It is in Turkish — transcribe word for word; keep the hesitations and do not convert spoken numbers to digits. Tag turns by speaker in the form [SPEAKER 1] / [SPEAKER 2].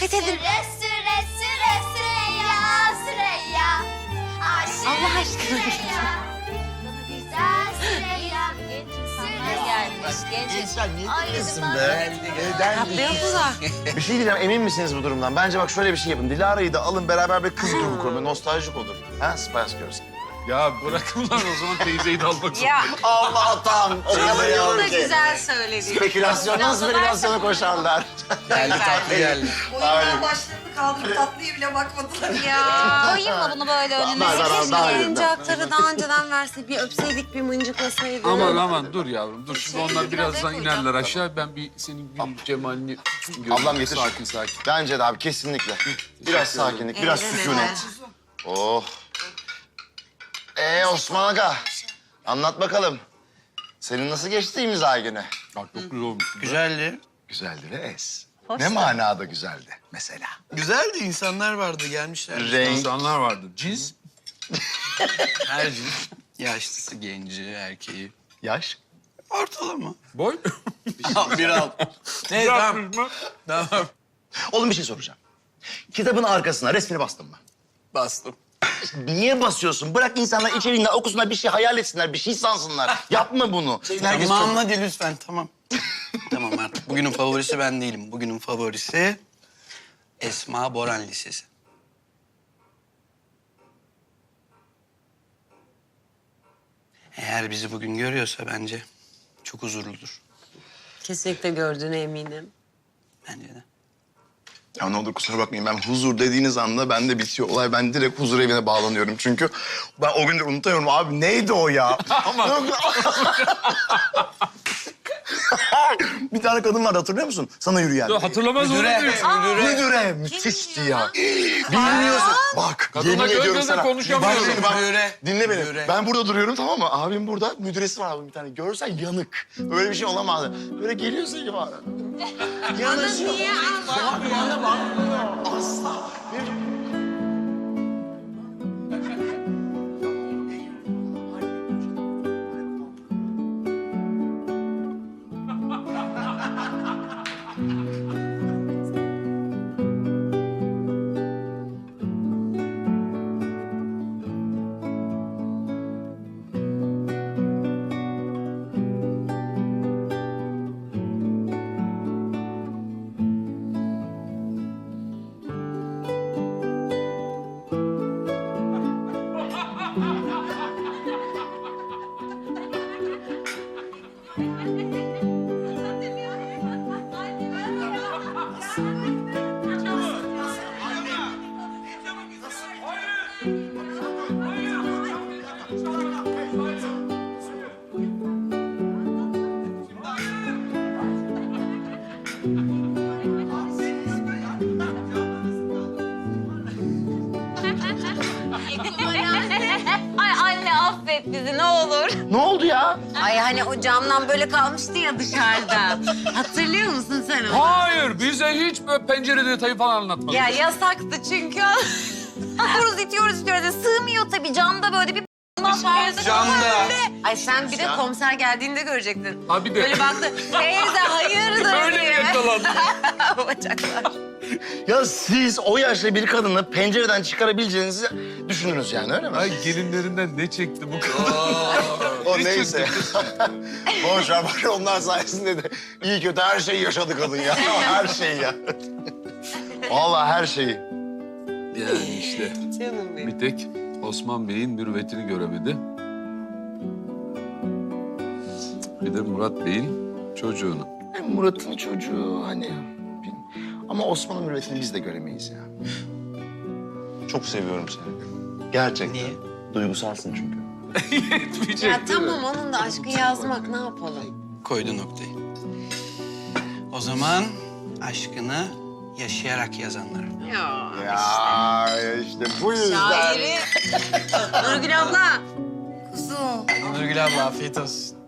[SPEAKER 1] Fethedin.
[SPEAKER 2] Süre süre süre Süreyya Süreyya. Aşık
[SPEAKER 1] Allah aşkına.
[SPEAKER 2] Süreyya. Güzel Süreyya.
[SPEAKER 3] İnsanlar gelmiş, genç.
[SPEAKER 4] Gençler niye
[SPEAKER 2] Ay,
[SPEAKER 4] dinlesin
[SPEAKER 2] bak.
[SPEAKER 4] be? Neden?
[SPEAKER 1] Yapıyorlar.
[SPEAKER 4] Bir şey diyeceğim, emin misiniz bu durumdan? Bence bak şöyle bir şey yapın. Dilara'yı da alın, beraber bir kız grubu kurun. Böyle nostaljik olur. Ha, Spice Girls.
[SPEAKER 5] Ya bırakın lan o zaman teyzeyi de almak zorunda.
[SPEAKER 1] Ya
[SPEAKER 4] Allah'tan o kadar
[SPEAKER 1] bunu da
[SPEAKER 4] yavrum ki.
[SPEAKER 1] güzel söyledi.
[SPEAKER 4] Spekülasyondan spekülasyona koşarlar.
[SPEAKER 6] Geldi tatlı geldi.
[SPEAKER 4] Aynen.
[SPEAKER 7] Başlarını kaldırıp tatlıya bile bakmadılar.
[SPEAKER 1] Ya.
[SPEAKER 3] Koyayım mı bunu böyle önüne?
[SPEAKER 4] Ver, ver, ver,
[SPEAKER 1] Keşke
[SPEAKER 4] daha iyi.
[SPEAKER 1] oyuncakları daha önceden verse, bir öpseydik, bir mıncıklasaydık.
[SPEAKER 5] Aman aman dur yavrum dur. Şimdi onlar birazdan
[SPEAKER 1] koyacağım.
[SPEAKER 5] inerler aşağı. Ben bir senin gül cemalini göreyim.
[SPEAKER 4] Ablam getir.
[SPEAKER 5] Sakin sakin.
[SPEAKER 4] Bence de abi kesinlikle. Biraz sakinlik, biraz
[SPEAKER 1] Evet,
[SPEAKER 4] sükunet.
[SPEAKER 1] evet.
[SPEAKER 4] Oh. Ee Osman Aga, anlat bakalım. Senin nasıl geçti imza günü?
[SPEAKER 5] Bak çok güzel olmuş.
[SPEAKER 6] Güzeldi.
[SPEAKER 4] Güzeldi ve es. Ne manada güzeldi mesela?
[SPEAKER 6] Güzeldi. İnsanlar vardı gelmişler.
[SPEAKER 4] Renk.
[SPEAKER 5] İnsanlar vardı. Cins.
[SPEAKER 6] Her cins. Yaşlısı, genci, erkeği.
[SPEAKER 4] Yaş.
[SPEAKER 6] Ortalama.
[SPEAKER 5] Boy.
[SPEAKER 6] Bir al. Ne tamam. Tamam.
[SPEAKER 4] Oğlum bir şey soracağım. Kitabın arkasına resmini bastın mı?
[SPEAKER 6] Bastım.
[SPEAKER 4] Niye basıyorsun? Bırak insanlar içeriğinden okusunlar, bir şey hayal etsinler, bir şey sansınlar. Yapma bunu. Herkes
[SPEAKER 6] Tamam
[SPEAKER 4] çok-
[SPEAKER 6] hadi lütfen tamam. Tamam artık. Bugünün favorisi ben değilim. Bugünün favorisi Esma Boran Lisesi. Eğer bizi bugün görüyorsa bence çok huzurludur.
[SPEAKER 1] Kesinlikle gördüğüne eminim.
[SPEAKER 6] Bence de.
[SPEAKER 4] Ya ne olur kusura bakmayın, ben huzur dediğiniz anda bende bitiyor olay. Ben direkt huzur evine bağlanıyorum çünkü ben o günleri unutamıyorum. Abi neydi o ya? Ama... Bir tane kadın vardı, hatırlıyor musun? Sana yürüyen.
[SPEAKER 5] Hatırlamaz olur
[SPEAKER 6] Müdüre,
[SPEAKER 5] muyum?
[SPEAKER 6] müdüre.
[SPEAKER 4] Müdüre, müthişti ya. Bilmiyorsun. Bak,
[SPEAKER 5] Kadınla
[SPEAKER 4] yemin
[SPEAKER 5] göz
[SPEAKER 4] ediyorum
[SPEAKER 5] göze
[SPEAKER 4] sana.
[SPEAKER 5] konuşamıyorum.
[SPEAKER 4] Bak şimdi bak,
[SPEAKER 6] Müdüre.
[SPEAKER 4] dinle beni.
[SPEAKER 6] Müdüre.
[SPEAKER 4] Ben burada duruyorum, tamam mı? Abim burada, müdüresi var abim bir tane. Görsen yanık. Böyle bir şey olamaz. Böyle geliyorsa gibi var. Yanık.
[SPEAKER 1] Niye?
[SPEAKER 4] Bak bana bakmıyor. Asla.
[SPEAKER 3] Ay anne affet bizi ne olur.
[SPEAKER 4] Ne oldu ya?
[SPEAKER 1] Ay hani o camdan böyle kalmıştı ya dışarıda. Hatırlıyor musun sen onu?
[SPEAKER 5] Hayır bize hiç böyle pencere detayı falan anlatmadın.
[SPEAKER 1] Ya yasaktı çünkü.
[SPEAKER 3] Itiyoruz itiyoruz itiyoruz. Sığmıyor tabii camda böyle bir dışarıda.
[SPEAKER 6] Camda.
[SPEAKER 1] Ay sen bir de komiser geldiğinde görecektin.
[SPEAKER 5] Ha bir de.
[SPEAKER 1] Böyle baktı. Teyze hayırdır
[SPEAKER 5] Öyle mi
[SPEAKER 1] diye.
[SPEAKER 5] yakalandın?
[SPEAKER 1] Bacaklar.
[SPEAKER 4] Ya siz o yaşta bir kadını pencereden çıkarabileceğinizi düşünürüz yani, öyle mi?
[SPEAKER 5] Ay gelinlerinden ne çekti bu kadın?
[SPEAKER 4] O neyse. Boş ver, bak onlar sayesinde de iyi kötü her şeyi yaşadı kadın ya. Her şeyi ya. Vallahi her şeyi.
[SPEAKER 5] Yani işte
[SPEAKER 1] Canım benim.
[SPEAKER 5] bir tek Osman Bey'in mürüvvetini göremedi. Bir de Murat Bey'in çocuğunu.
[SPEAKER 4] Murat'ın çocuğu hani... bil- Ama Osman'ın mürüvvetini biz de göremeyiz ya. Çok seviyorum seni. Gerçekten.
[SPEAKER 6] Niye?
[SPEAKER 4] Duygusalsın çünkü.
[SPEAKER 5] Yetmeyecek
[SPEAKER 1] Ya
[SPEAKER 5] değil mi?
[SPEAKER 1] tamam onun da aşkı yazmak ne yapalım?
[SPEAKER 6] Koydu noktayı. O zaman aşkını yaşayarak yazanlar.
[SPEAKER 1] Ya.
[SPEAKER 4] Ya işte bu yüzden.
[SPEAKER 1] Şairi. Nurgül abla.
[SPEAKER 7] Kuzum.
[SPEAKER 6] Nurgül abla afiyet olsun.